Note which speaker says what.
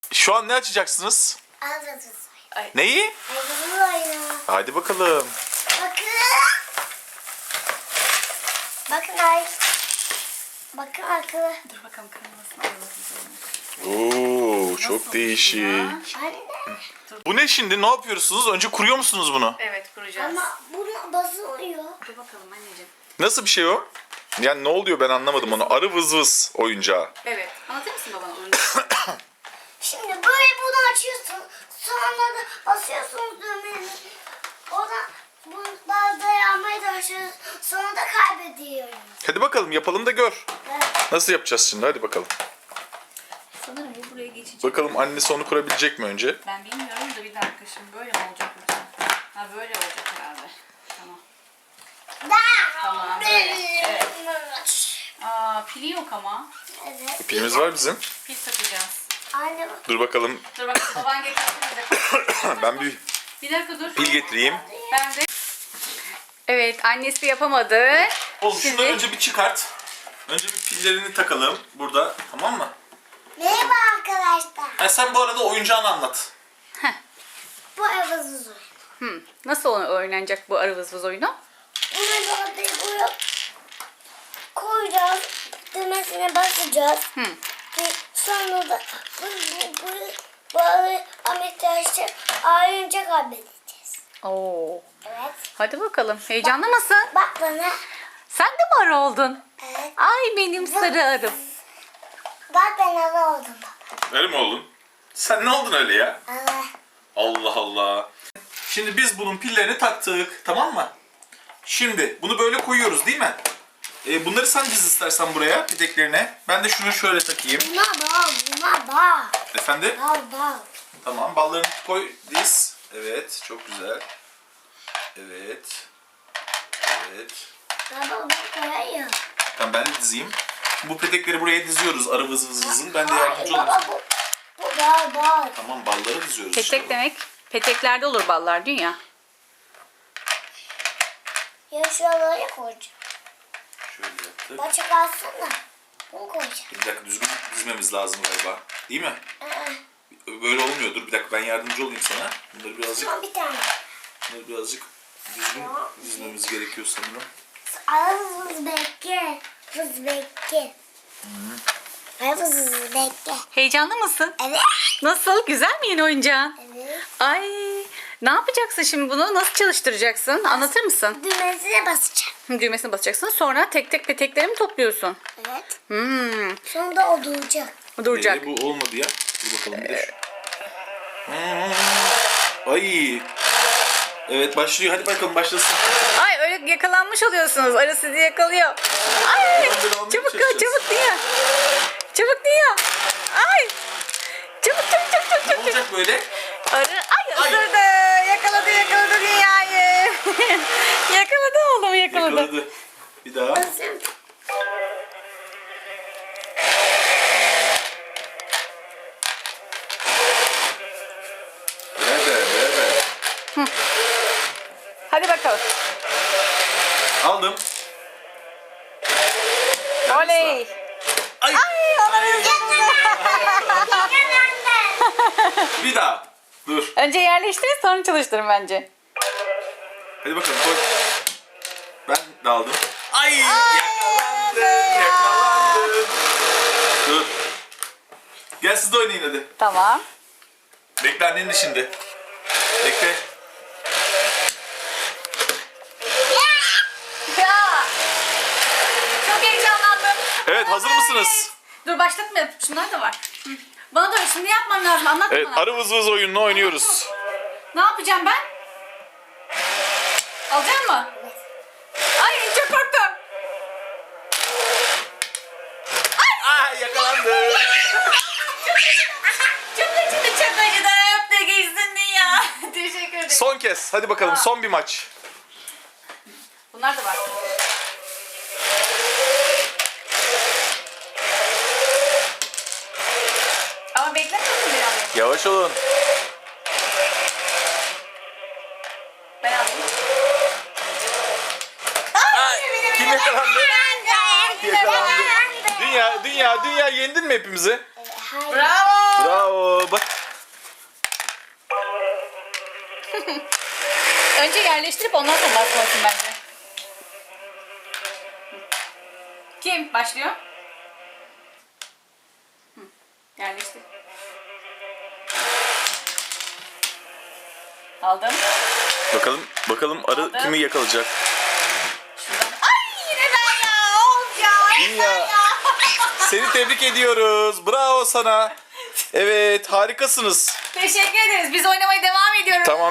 Speaker 1: Şu an ne açacaksınız?
Speaker 2: Ağzınız.
Speaker 1: Neyi?
Speaker 2: Ağzınız oyunu.
Speaker 1: Hadi bakalım.
Speaker 2: Bakın. Bakın ay. Bakın akıllı.
Speaker 3: Dur bakalım kırmızısını
Speaker 1: Oo, çok değişik.
Speaker 2: Anne.
Speaker 1: Bu ne şimdi? Ne yapıyorsunuz? Önce kuruyor musunuz bunu?
Speaker 3: Evet, kuracağız.
Speaker 2: Ama bunu basılıyor.
Speaker 3: Dur bakalım anneciğim.
Speaker 1: Nasıl bir şey o? Yani ne oluyor ben anlamadım onu. Arı vız vız oyuncağı.
Speaker 3: Evet. Anlatır mısın babana oyunu?
Speaker 2: Şimdi böyle bunu açıyorsun. Sonra da basıyorsunuz düğmeni. Oradan bunu dayanmaya çalışıyoruz. Sonra da kaybediyoruz.
Speaker 1: Hadi bakalım yapalım da gör.
Speaker 2: Evet.
Speaker 1: Nasıl yapacağız şimdi? Hadi bakalım.
Speaker 3: Sanırım bu buraya geçecek.
Speaker 1: Bakalım annesi onu kurabilecek mi önce?
Speaker 3: Ben bilmiyorum da bir dakika şimdi böyle mi olacak lütfen? Ha böyle olacak herhalde. Tamam. Tamam, böyle. Evet. Aa pili yok ama.
Speaker 2: Evet.
Speaker 1: Pilimiz var bizim.
Speaker 3: Pil takacağız.
Speaker 2: Anne bak.
Speaker 1: Dur bakalım.
Speaker 3: Dur bakalım baban getirsin bize.
Speaker 1: Ben bir
Speaker 3: Bir dakika dur.
Speaker 1: pil getireyim.
Speaker 3: Ben de. Evet annesi yapamadı.
Speaker 1: Oğlum
Speaker 3: Şimdi-
Speaker 1: şunları önce bir çıkart. Önce bir pillerini takalım burada. Tamam mı?
Speaker 2: Merhaba arkadaşlar.
Speaker 1: Ha, sen bu arada oyuncağını anlat.
Speaker 2: Bu evazız oyunu.
Speaker 3: Nasıl oynanacak bu arı vız vız oyunu?
Speaker 2: Bunu böyle buraya koyacağız. Düğmesine basacağız. Ve sonra da bu ametrajı ayrınca kaybedeceğiz.
Speaker 3: Oo.
Speaker 2: Evet.
Speaker 3: Hadi bakalım. Heyecanlı mısın?
Speaker 2: Bak bana.
Speaker 3: Sen de mi arı oldun?
Speaker 2: Evet.
Speaker 3: Ay benim sarı arım.
Speaker 2: Bak ben ara oldum baba.
Speaker 1: Öyle mi oldun? Sen ne oldun öyle ya?
Speaker 2: Evet.
Speaker 1: Allah Allah. Şimdi biz bunun pillerini taktık. Tamam mı? Şimdi bunu böyle koyuyoruz değil mi? Bunları sen diz istersen buraya peteklerine. Ben de şunu şöyle takayım.
Speaker 2: Buna bak. Buna bak.
Speaker 1: Efendim?
Speaker 2: Bak.
Speaker 1: Tamam, ballarını koy, diz. Evet, çok güzel. Evet. Evet.
Speaker 2: Baba bu koyuyor.
Speaker 1: Tamam, ben de dizeyim. Bu petekleri buraya diziyoruz, arı vız vız vızın. Ben de yardımcı olayım.
Speaker 2: Baba bu bak.
Speaker 1: Tamam, balları diziyoruz.
Speaker 3: Petek demek. Peteklerde olur ballar dünya.
Speaker 2: Ya şuralara koyacağım.
Speaker 1: Şöyle yaptık.
Speaker 2: Başak alsana. Bunu koyacağım.
Speaker 1: Bir dakika, düzgün dizmemiz lazım galiba. Değil mi?
Speaker 2: Aa,
Speaker 1: Böyle olmuyor. Dur bir dakika, ben yardımcı olayım sana. Bunları birazcık
Speaker 2: bir tane.
Speaker 1: düzgün dizmemiz gerekiyor sanırım.
Speaker 2: Hız bekle. Hız bekle. Hız bekle.
Speaker 3: Heyecanlı mısın?
Speaker 2: Evet.
Speaker 3: Nasıl? Güzel mi yeni oyuncağın?
Speaker 2: Evet.
Speaker 3: Ay ne yapacaksın şimdi bunu? Nasıl çalıştıracaksın? Anlatır mısın?
Speaker 2: Düğmesine basacağım.
Speaker 3: Düğmesine basacaksın. Sonra tek tek petekleri mi topluyorsun?
Speaker 2: Evet.
Speaker 3: Hmm.
Speaker 2: Sonra da o duracak.
Speaker 3: Duracak.
Speaker 1: Bu olmadı ya. Dur bakalım bir de şu. Ay. Evet, başlıyor. Hadi bakalım, başlasın.
Speaker 3: Ay öyle yakalanmış oluyorsunuz. Arı sizi yakalıyor. Ay
Speaker 1: Böyle almaya
Speaker 3: çabuk
Speaker 1: çalışacağız.
Speaker 3: çabuk dünya. Çabuk dünya. Ay. Çabuk.
Speaker 1: Ne olacak böyle?
Speaker 3: Arı ay ısırdı. Yakaladı dünyayı. yakaladı oğlum yakaladı.
Speaker 1: Yakaladı. Bir daha. Ver.
Speaker 3: Hadi bakalım.
Speaker 1: Aldım.
Speaker 3: Oley.
Speaker 1: Ay. Bir daha. Dur.
Speaker 3: Önce yerleştirin sonra çalıştırın bence.
Speaker 1: Hadi bakalım, koy. Ben de aldım. Ay. Yakalandın. Dur. Gel siz de oynayın hadi.
Speaker 3: Tamam.
Speaker 1: Bekle annenin şimdi. Bekle.
Speaker 3: Ya. Çok heyecanlandım.
Speaker 1: Evet, hazır mısınız?
Speaker 3: Dur başlatma. Şunlar da var. Hı. Bana da şimdi yapmam lazım. Anlat
Speaker 1: Evet,
Speaker 3: bana.
Speaker 1: arı vız vız oyununu oynuyoruz.
Speaker 3: Ne yapacağım ben? Alacak mı? Ay çok korktum.
Speaker 1: Ay, yakalandı.
Speaker 3: Çok acıdı çok acıdı. Öp de geçsin ya. Teşekkür ederim.
Speaker 1: Son kez. Hadi bakalım, son bir maç.
Speaker 3: Bunlar da var. Ama beklemesin bir an.
Speaker 1: Yavaş olun.
Speaker 3: Ben alayım.
Speaker 1: Ay, kim yakalandı? Yakalandı. Dünya yendin mi hepimizi?
Speaker 2: Hayır.
Speaker 3: Bravo.
Speaker 1: Bravo. Bak.
Speaker 3: Önce yerleştirip ondan sonra basmalısın bence. Kim başlıyor? Hı, yerleştir. Aldım.
Speaker 1: Bakalım arı
Speaker 3: Aldım.
Speaker 1: kimi yakalayacak.
Speaker 3: Şuradan. Ay yine ben ya. Of ya.
Speaker 1: İyi ya. Seni tebrik ediyoruz. Bravo sana. Evet, harikasınız.
Speaker 3: Teşekkür ederiz. Biz oynamaya devam ediyoruz.
Speaker 1: Tamam.